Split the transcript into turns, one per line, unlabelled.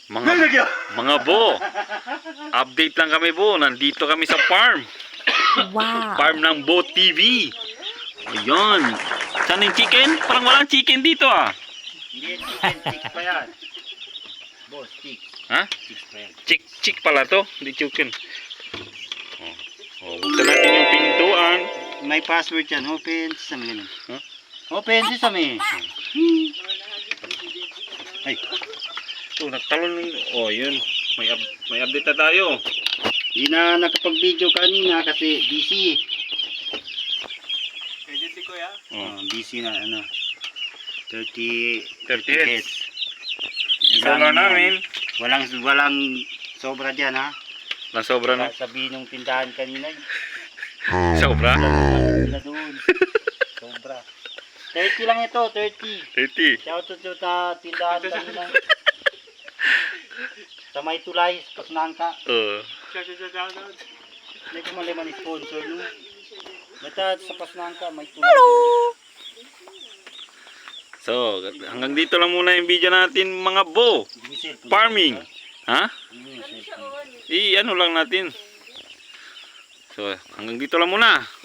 Mga bo, update lang kami bo. Nandito kami sa farm.
Wow.
Farm ng Bo TV. Ayun. Saan yung chicken? Parang walang chicken dito ah.
Hindi, chicken, chick pa yan. Boss, chick.
Ha?
Chick pa yan.
Chick pala to. Hindi chicken. Buksan natin yung pintuan.
May password yan. Open sesame.
Huh?
Open sesame. Ay,
So, nagtalon. Oh, yun. May update na tayo.
hindi na nakapag-video kanina kasi busy. Busy na ano. 30
30 heads.
heads.
Solar namin.
Walang sobra diyan ha.
Lang sobra na.
Sabihin ng tindahan kanina.
Sobra?
Sila doon. Sobra. 30 lang ito, 30.
30.
Shout out sa tindahan kanina. Sa may tulay, pasnahan ka. Hindi ko mali sponsor no. Basta sa pasnahan ka, may tulay.
So, hanggang dito lang muna yung video natin mga bo. Farming. Ha? Ano lang natin. So, hanggang dito lang muna.